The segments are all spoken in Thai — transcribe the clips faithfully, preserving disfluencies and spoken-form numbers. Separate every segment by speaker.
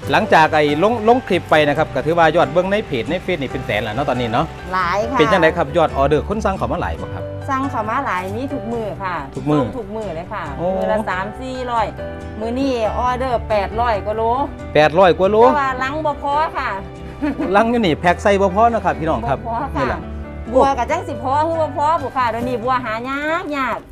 Speaker 1: หลังจากไอ้ลงลงคลิปไปนะครับก็ถือว่ายอดเบิ้งในเพจในเฟซนี่เป็นแสนแล้วเนาะตอนนี้เนาะ
Speaker 2: หลายค่ะ
Speaker 1: เป็นจังไดครับยอดออเดอร์คนสั่งเขามาหลายบ่ครับ
Speaker 2: สั่งเขามาหลายมีทุกมือค่ะ
Speaker 1: ทุกมือ
Speaker 2: ทุกมือเลยค่ะมือละสามสี่ร้อยมือนี่ออเดอร์แปดร้อยกว่าโล
Speaker 1: แปดร้อยกว่าโล
Speaker 2: แต่ว่าลังบ่พอค่ะ
Speaker 1: ลังอยู่นี่แพ็คใส่บ่พอนะครับพี่น้องครับ
Speaker 2: นี่แหละบัวกับจังสิพอคือบ่พอบุค่ะเดี๋ยวนี้บัวหายากยาก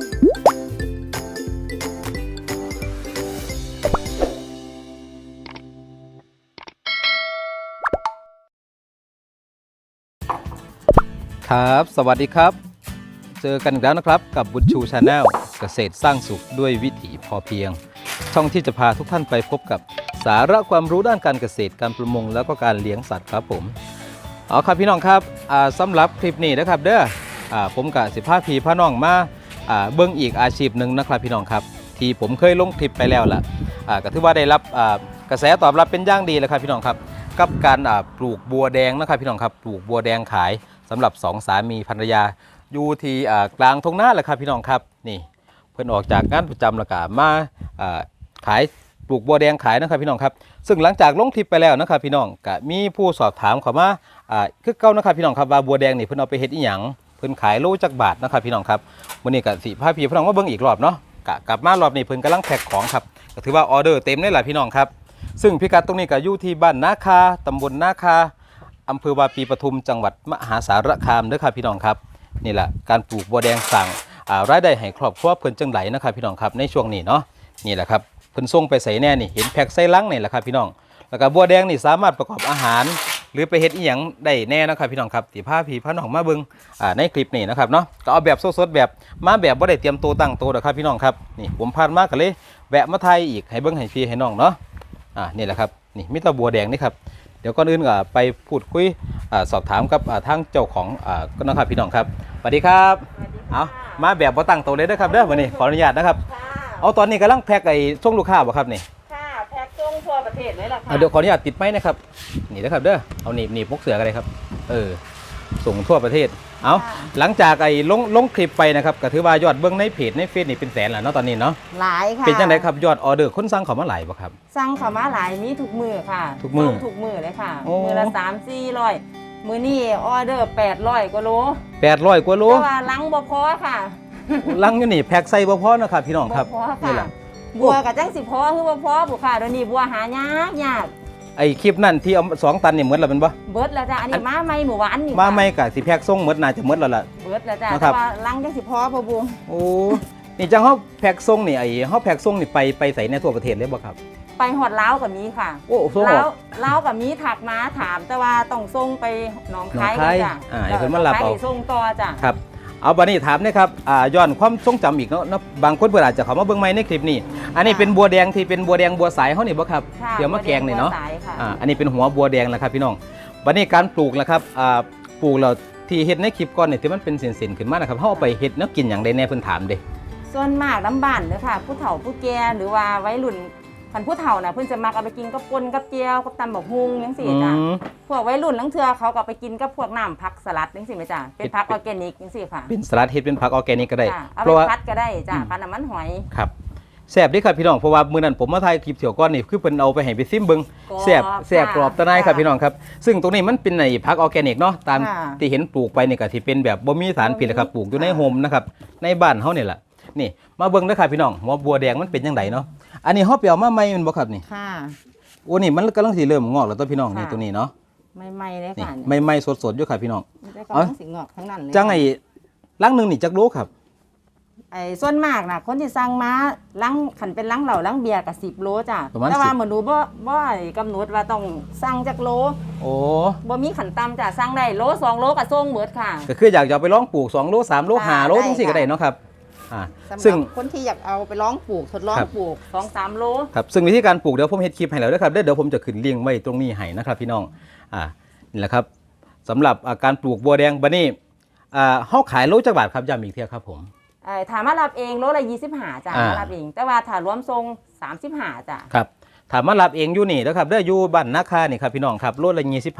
Speaker 1: ครับสวัสดีครับเจอกันอีกแล้วนะครับกับบุญชูชาแนลเกษตรสร้างสุขด้วยวิถีพอเพียงช่องที่จะพาทุกท่านไปพบกับสาระความรู้ด้านการเกษตรการประมงแล้วก็การเลี้ยงสัตว์ครับผมเอาครับพี่น้องครับสำหรับคลิปนี้นะครับเด้อผมกับสิพาพี่พ่อน้องมาเบิ้งอีกอาชีพหนึ่งนะครับพี่น้องครับที่ผมเคยลงคลิปไปแล้วล่ะก็ถือว่าได้รับกระแสตอบรับเป็นอย่างดีเลยครับพี่น้องครับกับการปลูกบัวแดงนะครับพี่น้องครับปลูกบัวแดงขายสำหรับสองสามีภรรยาอยู่ที่กลางทุ่งนาแหละครับพี่น้องครับนี่เพิ่นออกจากงานประจำแล้วก็มาขายปลูกบัวแดงขายนะครับพี่น้องครับซึ่งหลังจากลงคลิปไปแล้วนะครับพี่น้องก็มีผู้สอบถามเข้ามาคือเก่านะครับพี่น้องครับว่าบัวแดงนี่เพิ่นเอาไปเฮ็ดอีหยังเพิ่นขายโลจักบาทนะครับพี่น้องครับวันนี้ก็สิพาพี่พี่น้องมาเบิ่งอีกรอบเนาะกลับมารอบนี้เพิ่นกำลังแพ็คของครับก็ถือว่าออเดอร์เต็มเลยแหละพี่น้องครับซึ่งพิกัดตรงนี้ก็อยู่ที่บ้านนาคาตำบลนาคาอำเภอวาปีปทุมจังหวัดมหาสารคามเด้อครับพี่น้องครับนี่แหละการปลูกบัวแดงสั่งรายได้ให้ครอบครัวเพิ่นจังไหลนะครับพี่น้องครับในช่วงนี้เนาะนี่แหละครับเพิ่นส่งไปใส่แน่นี่เห็นแพ็คใส่ลังนี่แหละครับพี่น้องแล้วก็บัวแดงนี่สามารถประกอบอาหารหรือไปเฮ็ดอีหยังได้แน่นะครับพี่น้องครับสิพาพี่พาน้องมาเบิ่งในคลิปนี้นะครับเนาะก็เอาแบบสดๆแบบมาแบบบ่ได้เตรียมตัวตั้งตัวนะครับพี่น้องครับนี่ผมพาดมาก็เลยแวะมาไทยอีกให้เบิ่งให้พี่ให้น้องเนาะอ่านี่แหละครับนี่มีแต่บัวแดงนี่ครับเดี๋ยวก่อนอื่นก็ไปพูดคุยสอบถามกับทางเจ้าของก็นะครับพี่น้องครับสวัสดีครับเอามาแบบบ่ตั้งตัวเลยนะครับเด้อวันนี้ขออนุญาตนะครับเอาตอนนี้กำลังแพ็คไอ้ส่งลูกค้าบ่ครับนี่
Speaker 2: ค่ะแพ็คส่งทั่วประเทศเลยล่ะค่ะ
Speaker 1: เดี๋ยวขออนุญาตติดไม้นะครับนี่นะครับเด้อเอาหนีบหนีบพกเสือกันเลยครับเออส่งทั่วประเทศเอาหลังจากไอ้ลงลงคลิปไปนะครับก็ถือว่ายอดเบื้องในเพจในเฟซนี่เป็นแสนแล้วเนาะตอนนี้เนาะ
Speaker 2: หลายค่ะ
Speaker 1: เป็นจังไดครับยอดออเดอร์คนสั่งเขามาหลายบ่ครับ
Speaker 2: สั่งเขามาหลายมีทุกมือค่ะ
Speaker 1: ทุกมือ
Speaker 2: ทุกมือเลยค่ะมือละสามสี่ร้อยมือนี่ออเดอร์แปดร้อยกว่าโล
Speaker 1: แปดร้อยกว่าโล
Speaker 2: แต่ว่าลังบ่พอค่ะ
Speaker 1: ลังอยู่นี่แพ็คใส่บ่พอนะครับพี่น้องครับ
Speaker 2: นี่แหละบัวกับจังสิพอคือบ่พอบุค่ะเดี๋ยวนี้บัวหายากยาก
Speaker 1: ไอคลิปนั่นที่เอาสองตันนี่หมดแล้วเป็นบ่
Speaker 2: เบิดแล้วจ้ะอันนี้มาใหม่หมู่หวานนี่
Speaker 1: มาใหม่กะสิแพ็คส่งหมดน่าจะหมดแล้วล่ะ
Speaker 2: เบิดแล้วจ้ะแต่ว่าลังจังสิพอพ่อบุญ
Speaker 1: โอ้นี่จังเฮาแพ็คส่งนี่ไอเฮาแพ็คส่งนี่ไปไปใส่ในทั่วประเทศเลยบ่ครับ
Speaker 2: ไปฮอดลาวกับมีค่ะ
Speaker 1: โอ้ส่ง
Speaker 2: ลาวลาวกับมีถักมาถามแต่ว่าต้องส่งไปหนองคาย
Speaker 1: จ้ะอ่าเพิ่นมารับเอา
Speaker 2: ส่งต่อจ้ะ
Speaker 1: ครับเอาบัดนี้ถามนะครับอ่าย้อนความทรงจำอีกเนาะบางคนเพิ่นอาจจะเข้ามาเบิ่งใหม่ในคลิปนี้อันนี้เป็นบัวแดงที่เป็นบัวแดงบัวสายเฮานี่บ่ครับเดี๋ยวมาแกงนี่เนาะอ่าอันนี้เป็นหัวบัวแดงแหละครับพี่น้องบัดนี้การปลูกล่ะครับอ่าปลูกแล้วที่เฮ็ดในคลิปก่อนนี่ที่มันเป็นเส้นๆขึ้นมานะครับเฮาเอาไปเฮ็ดแนวกินหยังได้แน่เพิ่นถามเด้
Speaker 2: ส่วนมากน้ำบ้านเด้อค่ะผู้เฒ่าผู้แก่หรือว่าวัยรุ่นคันผู้เฒ่าน่ะเพิ่นจะมักเอาไปกินกับป่นกับเจียวกับตำบักฮุงจังซี่จ้ะพวกวัยรุ่นลังเทื่อเขาก็ไปกินกับพวกน้ำผักสลัดจังซี่แม่จ้ะเป็นผักออร์แกนิกจังซี่ค่ะ
Speaker 1: เป็นสลัดเฮ็ดเป็นผักออร์แกนิกก็ได้
Speaker 2: เพราะว่าผัดก็ได้จ้ะผัดน้ำมันหอย
Speaker 1: ครับแซ่บดีครับพี่น้องเพราะว่ามื้อนั้นผมมาถ่ายคลิปเที่ยวก่อนนี่คือเพิ่นเอาไปให้ไปซิมเบิ่งแซ่บแซ่บกรอบตะไนครับพี่น้องครับซึ่งตรงนี้มันเป็นไอ้ผักออร์แกนิกเนาะตามที่เห็นปลูกไปนี่ก็สิเป็นแบบบ่มีสารพิษนะครับปลูกอยู่ในโฮมนะครับในบ้านเฮานี่แหละนี่มาเบิ่งเด้อครับพี่น้องหัวบัวแดงมันเป็นจังไดเนาะอันนี้เฮาไปเอามาใหม่แม่นบ่ครับนี่
Speaker 2: ค่ะ
Speaker 1: โอ้นี่มันกำลังสิเริ่มงอกแล้วตัวพี่น้องนี่ตัวนี้เนาะ
Speaker 2: ใหม่ๆเลยค่ะ
Speaker 1: ใหม่ๆสดๆอยู่ครับพี่น้อง
Speaker 2: กำลังสิงอกทั้งนั้นเลย
Speaker 1: จังไอ้ลังนึงนี่จักโลครับ
Speaker 2: ไอ้ส่วนมากน่ะคนที่สั่งมาลังขันเป็นลังเหล่าลังเบียร์กับสิบโลจ้ะแต่ว่าเหมือนหนูบ่บ่กำหนดว่าต้องสั่งจักโล
Speaker 1: โอ้
Speaker 2: บ่มีขันตำจ้ะสั่งได้โลสองโลกับส่งเบิดค่ะ
Speaker 1: ก็คืออยากจะไปลองปลูกสองโลสามโลห้าโลจังซี่ก็ได้เนาะครับ
Speaker 2: ซึ่งคนที่อยากเอาไปลองปลูกทดลองปลูก สองสาม โล
Speaker 1: ครับซึ่งวิธีการปลูกเดี๋ยวผมเฮ็ดคลิปให้แล้วนะครับเดี๋ยวผมจะขึ้นลิงก์ไว้ตรงนี้ให้นะครับพี่น้องอ่านี่แหละครับสำหรับการปลูกบัวแดงบัดนี้อ่าเฮาขายโลจักบาทครับย้ำอีกเที่ยครับผม
Speaker 2: เอ่อถ้ามารับเองโลละยี่สิบห้าจ้ะมารับเองแต่ว่าถ้ารวมส่งสามสิบห้าจ้ะ
Speaker 1: ครับถ้ามารับเองอยู่นี่นะครับเด้ออยู่บ้านนาคานี่ครับพี่น้องครับโลละยี่สิบห้า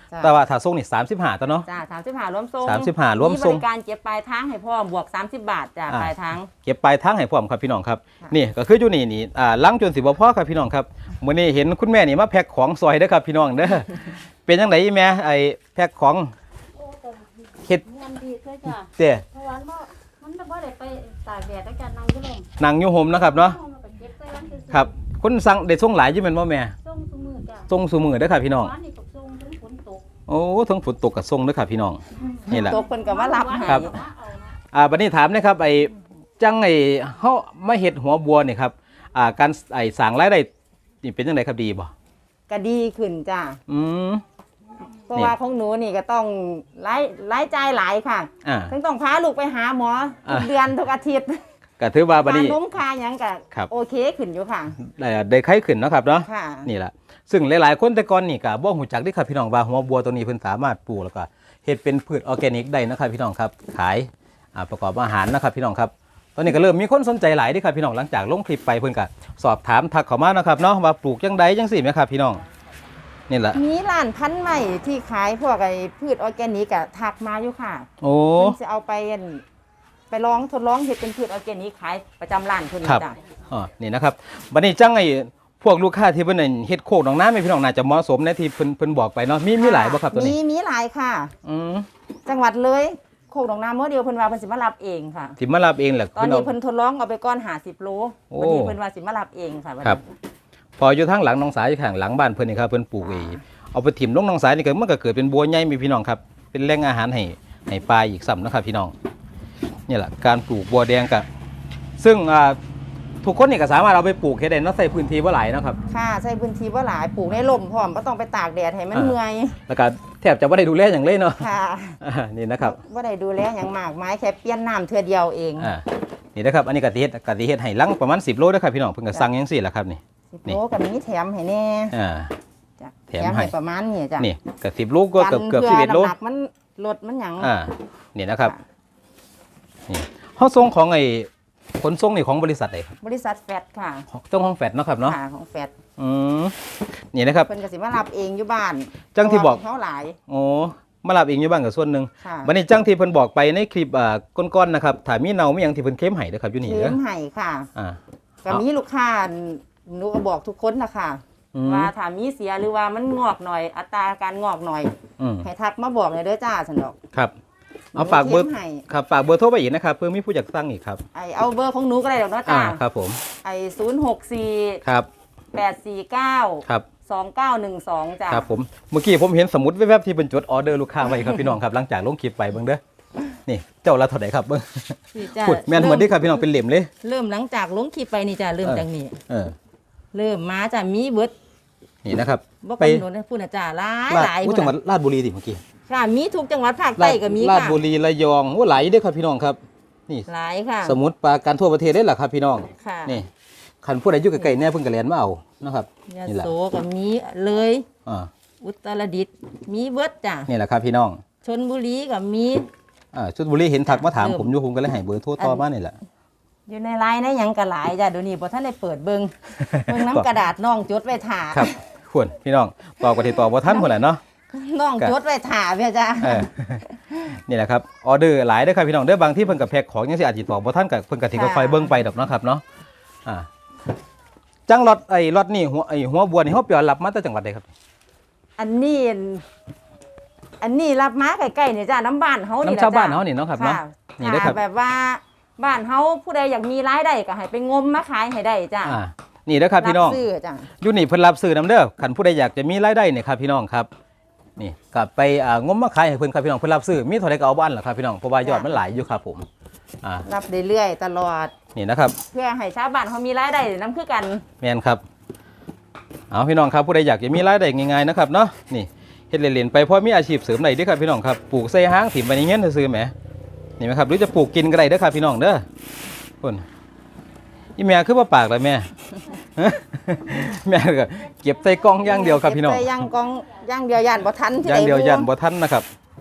Speaker 2: จ้ะ
Speaker 1: แต่ว่าถ้าส่งนี่สามสิบห้าตัวเนาะ
Speaker 2: จ้าสามสิบห้ารวมส่ง
Speaker 1: สามสิบห้ารวมส่ง
Speaker 2: บริการเก็บปลายทางให้พ่อมบวกสามสิบบาทจ้า
Speaker 1: อ่า
Speaker 2: ปลายทาง
Speaker 1: เก็บปลายทางให้พร้อมครับพี่น้องครับ
Speaker 2: ค่ะ
Speaker 1: นี่ก็คืออยู่นี่นี่อ่าล้างจนสิบ่พอครับพี่น้องครับมื้อนี้เห็นคุณแม่นี่มาแพ็คของซอยเด้อครับพี่น้องเด้อ เป็นจังไดอีแม่ไอ้แพ็คของ
Speaker 3: โอ้แต่
Speaker 1: เฮ็ด
Speaker 3: มันดีด้วยจ้ะ
Speaker 1: เด้
Speaker 3: เพราะว่ามันมันบ่ได้ไปตากแดดแล้วกันนั่งอยู่ลม
Speaker 1: นั่งอยู่ห่มนะครับเนาะ
Speaker 3: เอามาไปเก็บใส่ร้านซื่อๆ
Speaker 1: ครับคนสั่งได้ส่งหลายอยู่แม่นบ่แม่
Speaker 3: ส่งซุมือจ้ะ
Speaker 1: ส่งซุมื้อเด้อครับพี่น้อง
Speaker 3: ร้านนี่ก็ส่งถึงฝนตก
Speaker 1: โอ้ทั้งฝนตกกับส่งเด้อครับพี่น้องนี่แหละ
Speaker 2: ตัวคนก็มารับให้
Speaker 1: ครับ อ่าบัดนี้ถามนะครับไอ้จังไอ้เฮามาเฮ็ดหัวบัวนี่ครับอ่าการไอ้สร้างรายได้นี่เป็นจังไดครับดีบ่
Speaker 2: ก็ดีขึ้นจ้า
Speaker 1: อืม
Speaker 2: เพราะว่าของหนูนี่ก็ต้องรายรายจ่ายหลายค่ะ
Speaker 1: อ่า
Speaker 2: ทั้งต้องพาลูกไปหาหมอทุก
Speaker 1: อ่า
Speaker 2: เดือนทุกอาทิตย์
Speaker 1: ก็ถือว่าบัด
Speaker 2: ค่า
Speaker 1: นี้
Speaker 2: นมค่าหยังก็
Speaker 1: ครับ
Speaker 2: โอเคขึ้นอยู่ค่ะ
Speaker 1: ได้ได้ไข้ขึ้นเนาะครับเนาะ
Speaker 2: ค่ะ
Speaker 1: นี่แหละซึ่งหลายๆคนแต่ก่อนนี่ก็บ่ฮู้จักเด้ครับพี่น้องว่าหัวบัวตัวนี้เพิ่นสามารถปลูกแล้วก็เฮ็ดเป็นพืชออร์แกนิกได้นะครับพี่น้องครับขายอ่าประกอบอาหารนะครับพี่น้องครับตอนนี้ก็เริ่มมีคนสนใจหลายเด้ครับพี่น้องหลังจากลงคลิปไปเพิ่นก็สอบถามทักเข้ามานะครับเนาะว่าปลูกจังใดจังซี่แหมครับพี่น้องนี่แหละ
Speaker 2: มีร้านพันธุ์ใหม่ที่ขายพวกไอ้พืชออร์แกนิกอะทักมาอยู่ค่ะ
Speaker 1: โอ้
Speaker 2: เพิ่นจะเอาไปอั่นไปลองทดลองเฮ็ดเป็นพืชออร์แกนิกขายประจำร้านเพิ่น
Speaker 1: ครับ
Speaker 2: จ้ะ
Speaker 1: อ๋อนี่นะครับบัดนี้จังไอ้พวกลูกค้าที่เพิ่นนั่นเฮ็ดโคกหนองน้ำให้พี่น้องน่าจะเหมาะสมในที่เพิ่นเพิ่นบอกไปเนาะมีมีหลายบ่ครับตัว
Speaker 2: มี
Speaker 1: นี้
Speaker 2: มีหลายค่ะ
Speaker 1: อืม
Speaker 2: จังหวัดเลยโคกหนองนาเมื่อเดียวเพิ่นว่าเพิ่นสิมารับเองค่ะ
Speaker 1: สิมารับเองแหละ
Speaker 2: ตอนนี้เพิ่นทดลองเอาไปก้อน50โล
Speaker 1: โอ้
Speaker 2: วันนี้เพิ่นว่าสิมารับเองค่ะวันนี้
Speaker 1: ครับพออยู่ทางหลังหนองสายอยู่ข้างหลังบ้านเพิ่นนี่ครับเพิ่นปลูกเองเอาไปถิ่มลงหนองสายนี่ก็มันก็เกิดเป็นบัวใหญ่มีพี่น้องครับเป็นแหล่งอาหารให้ให้ปลาอีกซ้ำนะครับพี่น้องนี่แหละการปลูกบัวแดงกับซึ่งอ่าทุกคนนี่ก็สามารถเอาไปปลูกเฮ็ดได้เนาะใส่พื้นที่บ่หลายเนาะครับ
Speaker 2: ค่ะใช้พื้นที่บ่หลายปลูกในร่มพร้อมบ่ต้องไปตากแดดให้มัน
Speaker 1: อ่า
Speaker 2: เมื่อย
Speaker 1: แล้วก็แทบจะบ่ได้ดูแลอย่างเลยเนาะ
Speaker 2: ค่ะ
Speaker 1: อ่านี่นะครับ
Speaker 2: บ่ได้ดูแลหยังมากมายแค่เปลี่ยนน้ำเทื่อเดียวเอง
Speaker 1: อ่านี่นะครับอันนี้กะทิเฮ็ดกะทิเฮ็ดให้หลังประมาณสิบโลเด้อครับพี่น้องเพิ่นก็สั่งจังซี่แหละครับนี่
Speaker 2: สิบ
Speaker 1: นี่
Speaker 2: โลก็มีแถมให้แน่
Speaker 1: อ่า
Speaker 2: จ้ะ
Speaker 1: แถมให้
Speaker 2: ประมาณนี้จ้ะ
Speaker 1: นี่ก็สิบโลก็เกือบเกือบ
Speaker 2: กัน
Speaker 1: สิบเอ็ดโล
Speaker 2: พื่น้ำหนักมันลดมันหยัง
Speaker 1: อ่านี่นะครับนี่เฮาส่งของไอ้ขนส่งนี่ของบริษัทใดครับ
Speaker 2: บริษัทแฟตค่ะ
Speaker 1: เจ้าของแฟดเนาะครับเนาะ
Speaker 2: ค่ะของแฟต
Speaker 1: อืมนี่นะครับ
Speaker 2: เพิ่นก็สิมารับเองอยู่บ้าน
Speaker 1: จังที่บอก
Speaker 2: เพราะว่าเขาหลาย
Speaker 1: โอ้มารับเองอยู่บ้านกับส่วนหนึ่ง
Speaker 2: ค่ะ
Speaker 1: วันนี้จังที่เพิ่นบอกไปในคลิปอ่าก้อนๆนะครับถ้ามีเนามีหยังที่เพิ่นเข้มให้เด้อครับอยู่นี่
Speaker 2: เลี้
Speaker 1: เด้
Speaker 2: ย
Speaker 1: อง
Speaker 2: ไห้ค่ะ
Speaker 1: อ่า
Speaker 2: ก็มีลูกค้าหนูก็บอกทุกคนนะคะ
Speaker 1: อืม
Speaker 2: ว่าถ้ามีเสียหรือว่ามันงอกหน่อย อัตราการงอกหน่อย
Speaker 1: อืม
Speaker 2: ให้ทักมาบอกเลยเด้อจ้าฉันดอก
Speaker 1: ครับเอาฝากเบอร์
Speaker 2: หนูเข้มให้
Speaker 1: ครับฝากเบอร์โทรไปอีกนะครับเพื่อมีผู้อยากสั่งอีกครับ
Speaker 2: ไอเอาเบอร์ของหนูก็ได้ดอกเนาะ
Speaker 1: อ่า
Speaker 2: จ้า
Speaker 1: ครับผม
Speaker 2: ไอศูนย์หกสี่
Speaker 1: ครับ
Speaker 2: แปดสี่เก้า
Speaker 1: ครับ
Speaker 2: สองเก้าหนึ่งสองจ้า
Speaker 1: ครับผมเมื่อกี้ผมเห็นสมุดแวบๆที่เป็นจดออเดอร์ลูกค้าไว้ครับพี่น้องครับหลังจากลงคลิปไปเบิ่งเด้อนี่เจ้าละเท่าไหร่ครับเบิ่ง
Speaker 2: นี่จ้ะ
Speaker 1: พูดแม่นเหมือนที่ครับพี่น้องเป็นเหลี่ยมเลย
Speaker 2: เริ่มหลังจากลงคลิปไปนี่จ้าเริ่ม
Speaker 1: เออ
Speaker 2: จากนี้
Speaker 1: เออ
Speaker 2: เริ่มมาจ้ามีเบิด
Speaker 1: นี่นะครับ
Speaker 2: บ่
Speaker 1: ไป
Speaker 2: กำหนดให้พูดนะจ้าหลาย
Speaker 1: ลาด
Speaker 2: หลาย
Speaker 1: อู้
Speaker 2: พุ่น
Speaker 1: จังหวัด
Speaker 2: น่ะ
Speaker 1: ราชบุรีสิเมื่อกี้
Speaker 2: ค่ะมีทุกจังหวัดภาคใต้ก็มี
Speaker 1: ราช
Speaker 2: ค่ะ
Speaker 1: บุรีระยองโอ้หลายเด้อครับพี่น้องครับ นี่
Speaker 2: หลายค่ะ
Speaker 1: สมุดปราการทั่วประเทศได้หรอครับพี่น้อง
Speaker 2: ค่ะ
Speaker 1: นี่คันผู้ใดอยู่ใกล้ๆแน่เพิ่นก็เรียนมาเอานะครับ
Speaker 2: ยะ
Speaker 1: นี่แหละ
Speaker 2: โสก็มีเลย
Speaker 1: อ่า
Speaker 2: อุตรดิตถ์มีเบิดจ้ะ
Speaker 1: นี่แหละครับพี่น้อง
Speaker 2: ชนบุรีก็มี
Speaker 1: อ่าชุดบุรีเห็นทักมาถาม
Speaker 2: เริ่ม
Speaker 1: ผมอยู่ผมก็เลยให้เบอร์โทรต่อมานี่แหละ
Speaker 2: อยู่ในไลน์ในหยังก็หลายจ้ะเดี๋ยวนี้บ่ทันได้เปิดเบิ่ง เบิ่งน้ำกระดาษน้องจดไว้ถ่า
Speaker 1: ครับควรพี่น้องตอบกว่าที่ตอบบ่ทันพุ่นแหละเนาะ
Speaker 2: น้องจดไว้ถ่าเพี่ยจ้ะ
Speaker 1: เออ นี่แหละครับออเดอร์หลายเด้อครับพี่น้องเด้อบางที่เพิ่นก็แพ็คของจังซี่อาจสิตอบบ่ทันก็เพิ่นก็สิค่อยๆเบิ่งไปดอกเนาะครับเนาะอ่าจังรถไอ้รถนี่หัวไอ้หัวบัวนี่เฮาเปียวรับมาจากจังหวัดใดครับ
Speaker 2: อันนี้อันนี้รับมาใกล้ๆนี่จ้ะน้ำบ้านเฮานี่
Speaker 1: น้ำชาวบ้านเฮานี่เนาะครับเนาะ
Speaker 2: ค่ะ
Speaker 1: นี่เด้อครับ
Speaker 2: ถ้าแบบว่าบ้านเฮาผู้ใดอยากมีรายได้ก็ให้ไปงมมาขายให้ได้จ้ะ
Speaker 1: อ่านี่เด้อครับพี่น้อง
Speaker 2: ซื้อจ้ะ
Speaker 1: อยู่นี่เพิ่นรับซื้อนํเด้อคันผู้ใดอยากจะมีรายได้เนี่ยครับพี่น้องครับนี่ก็ไปอ่างมมาขายให้เพิ่นครับพี่น้องเพิ่นรับซื้อมีเท่าใดก็เอาบ้านล่ะครับพี่น้องเพราะว่ายอดมันหลายอยู่ครับผมอ่า
Speaker 2: รับเรื่อยๆตลอด
Speaker 1: นี่นะครับ
Speaker 2: เพื่อให้ชาวบ้านเขามีรายได้นํคือกัน
Speaker 1: แม่นครับเอาพี่น้องครับผู้ใดอยากจะมีรายได้ง่ายๆนะครับเนาะนี่เฮ็ดเล่นๆไปเพราะมีอาชีพเสริมได้เด้อครับพี่น้องครับปลูกใส่ห้างถิ่มไปในเงี้ยซื่อๆแหมนี่ไหมครับหรือจะปลูกกินก็ได้เด้อครับพี่น้องเด้อพุ่นอีแม่คือบ่ปากล่ะแม่ แม่ก็เก็บใส่กล่องอย่างเดียวครับพี่น้อง
Speaker 2: เก็บใส่ย่างกองย่างเดียวย่านบ่ทันที่
Speaker 1: อย่างเดียว
Speaker 2: ใด
Speaker 1: ยันบ่ทันนะครับ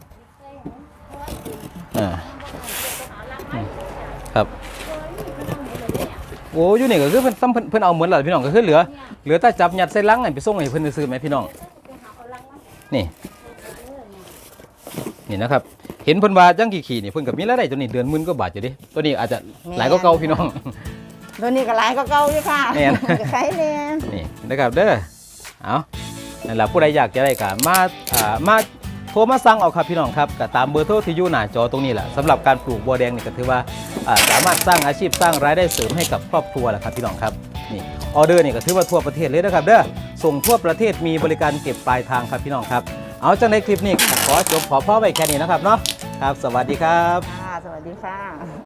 Speaker 1: อ่าอืมครับโอ้อยู่นี่ก็คือเพิ่นซ้ำเพิ่นเพิ่นเอาเหมือนล่ะพี่น้องก็คือเหลือเหลือแต่จับยัดใส่ลังให้ไปส่งให้เพิ่นซื้อๆไหมพี่น้องนี่นี่นะครับเห็นเพิ่นว่าจังขี่ๆนี่เพิ่นก็มีรายได้ตัวนี้เดือนหมื่นกว่าบาทอยู่ดิตัวนี้อาจจะหลายกว่าเก่าพี่น้อง
Speaker 2: ตัวนี้ก็หลายก็เก่าอยู่ค่ะ
Speaker 1: แม่น
Speaker 2: ก็ขายแน่
Speaker 1: นี่นะครับเด้อเอานั่นแหละผู้ใดอยากจะได้ก็มาอ่ามาโทรมาสั่งเอาครับพี่น้องครับก็ตามเบอร์โทรที่อยู่หน้าจอตรงนี้แหละสำหรับการปลูกบัวแดงนี่ก็ถือว่าอ่าสามารถสร้างอาชีพสร้างรายได้เสริมให้กับครอบครัวแหละครับพี่น้องครับนี่ออเดอร์นี่ก็ถือว่าทั่วประเทศเลยนะครับเด้อส่งทั่วประเทศมีบริการเก็บปลายทางครับพี่น้องครับเอาจังในคลิปนี้ขอจบขอพ่อไว้แค่นี้นะครับเนาะครับสวัสดีครับ
Speaker 2: ค่ะสวัสดีค่ะ